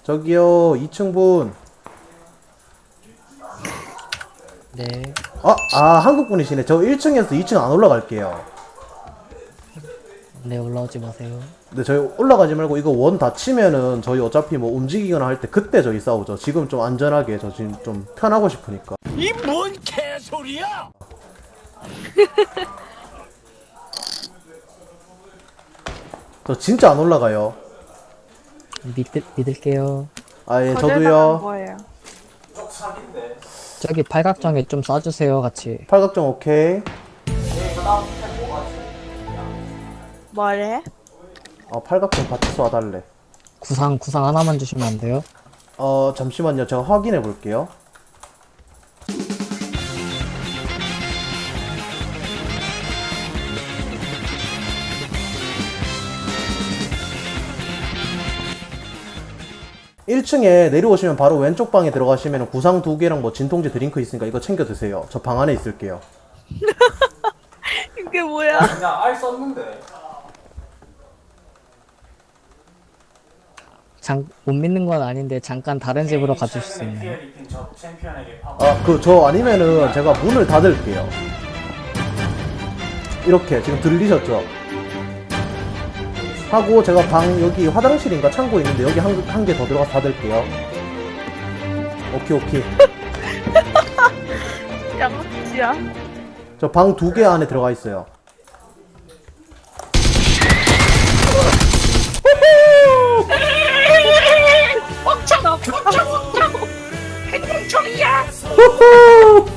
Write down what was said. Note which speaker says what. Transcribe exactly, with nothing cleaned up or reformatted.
Speaker 1: 저기요 이 층 분.
Speaker 2: 네.
Speaker 1: 아, 아 한국 분이시네. 저 일 층에서 이 층 안 올라갈게요.
Speaker 2: 네, 올라오지 마세요.
Speaker 1: 근데 저희 올라가지 말고 이거 원 닫히면은 저희 어차피 뭐 움직이거나 할 때 그때 저희 싸우죠. 지금 좀 안전하게 저 지금 좀 편하고 싶으니까.
Speaker 3: 이 뭔 개소리야!
Speaker 1: 저 진짜 안 올라가요.
Speaker 2: 믿, 믿을게요.
Speaker 1: 아 예
Speaker 4: 거절당하는
Speaker 1: 저도요.
Speaker 4: 거예요.
Speaker 2: 저기 팔각정에 좀 쏴주세요, 같이.
Speaker 1: 팔각정 오케이.
Speaker 4: 뭐래?
Speaker 1: 어 팔각정 같이 쏴달래.
Speaker 2: 구상, 구상 하나만 주시면 안 돼요?
Speaker 1: 어 잠시만요. 제가 확인해 볼게요. 일 층에 내려오시면 바로 왼쪽 방에 들어가시면 구상 두 개랑 뭐 진통제 드링크 있으니까 이거 챙겨 드세요. 저 방 안에 있을게요.
Speaker 4: 이게 뭐야?
Speaker 5: 그냥 알 썼는데.
Speaker 2: 장, 못 믿는 건 아닌데, 잠깐 다른 집으로 가주실 수 있나요?
Speaker 5: 리핑 저 챔피언에게 파.
Speaker 1: 아 그 저 아니면은 제가 문을 닫을게요. 이렇게 지금 들리셨죠? 하고 제가 방 여기 화장실인가 창고 있는데 여기 한 한 개 더 들어가서 닫을게요. 오케이 오케이.
Speaker 4: 양치야.
Speaker 1: 저 방 두 개 안에 들어가 있어요.
Speaker 3: 멈춰! 멈춰! 멈춰! 행동충이야!
Speaker 1: 후후!